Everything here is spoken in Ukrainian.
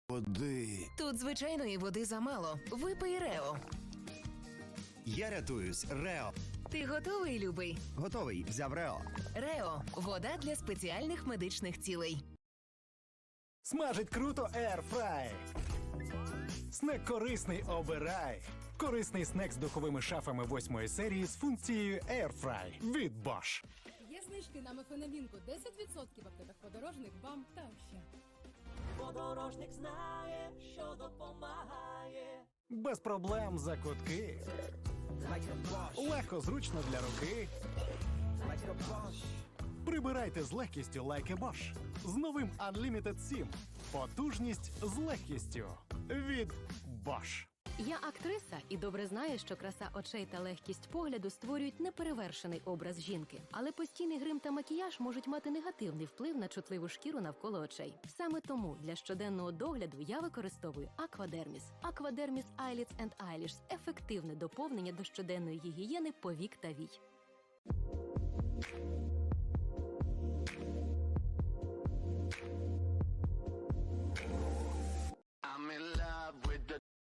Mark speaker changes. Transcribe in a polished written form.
Speaker 1: Води.
Speaker 2: Тут звичайної води замало. Випий Рео.
Speaker 1: Я рятуюсь. Рео.
Speaker 2: Ти готовий, любий?
Speaker 1: Готовий. Взяв Рео.
Speaker 2: Рео – вода для спеціальних медичних цілей.
Speaker 3: Смажить круто Air Fry. Снек корисний обирай. Корисний снек з духовими шафами 8-ї серії з функцією Air Fry від Bosch.
Speaker 4: Є знижки на мефенамінку 10% в аптеках подорожник, БАМ та ще.
Speaker 5: Подорожник знає, що допомагає.
Speaker 3: Без проблем за кутки. Легко, зручно для руки. Прибирайте з легкістю like a Bosch. З новим Unlimited 7. Потужність з легкістю. Від Bosch.
Speaker 6: Я актриса і добре знаю, що краса очей та легкість погляду створюють неперевершений образ жінки. Але постійний грим та макіяж можуть мати негативний вплив на чутливу шкіру навколо очей. Саме тому для щоденного догляду я використовую Aquadermis. Aquadermis Eyelids and Eyelash – ефективне доповнення до щоденної гігієни повік та вій.